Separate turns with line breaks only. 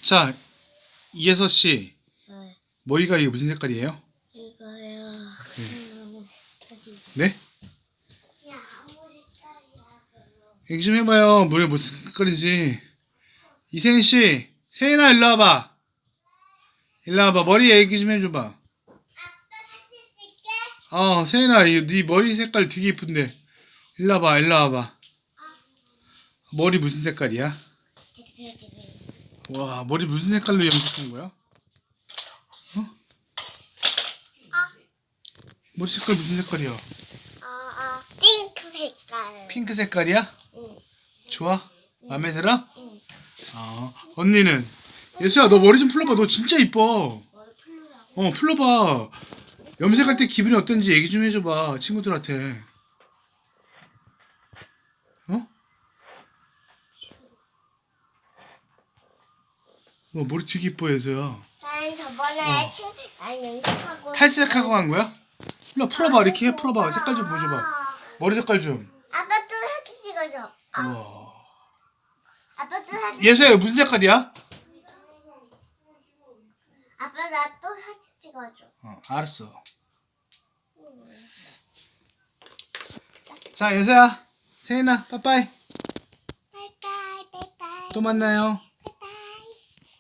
자, 이예서 씨,
네.
머리가 이게 무슨 색깔이에요?
이거요. 아무 색깔이.
네?
그냥 아무 색깔이야.
얘기 좀 해봐요. 머리가 무슨 색깔인지. 이세인 씨, 세인아 일로 와봐. 일로 와봐. 머리 얘기 좀 해줘봐.
아빠 사진 찍게?
세인아, 네 머리 색깔 되게 이쁜데. 일로 와봐, 일로 와봐. 머리 무슨 색깔이야? 와, 머리 무슨 색깔로 염색한 거야? 머리 색깔 무슨 색깔이야?
핑크 색깔.
핑크 색깔이야?
응.
좋아? 마음에 들어?
응.
언니는? 예수야, 너 머리 좀 풀러봐. 너 진짜 이뻐.
머리 풀려고.
풀러봐. 염색할 때 기분이 어떤지 얘기 좀 해줘봐. 친구들한테. 머리 되게 이뻐, 예수야.
난 저번에 난 연습하고.
탈색하고 간 거야? 일로 풀어봐. 이렇게 해, 풀어봐. 색깔 좀 보여줘봐. 머리 색깔 좀.
아빠 또 사진 찍어줘.
우와.
아빠 또 사진.
예수야, 이거 무슨 색깔이야?
아빠 나 또 사진 찍어줘.
알았어. 자, 예수야. 세인아, 빠빠이.
바이바이 바이바이.
또 만나요.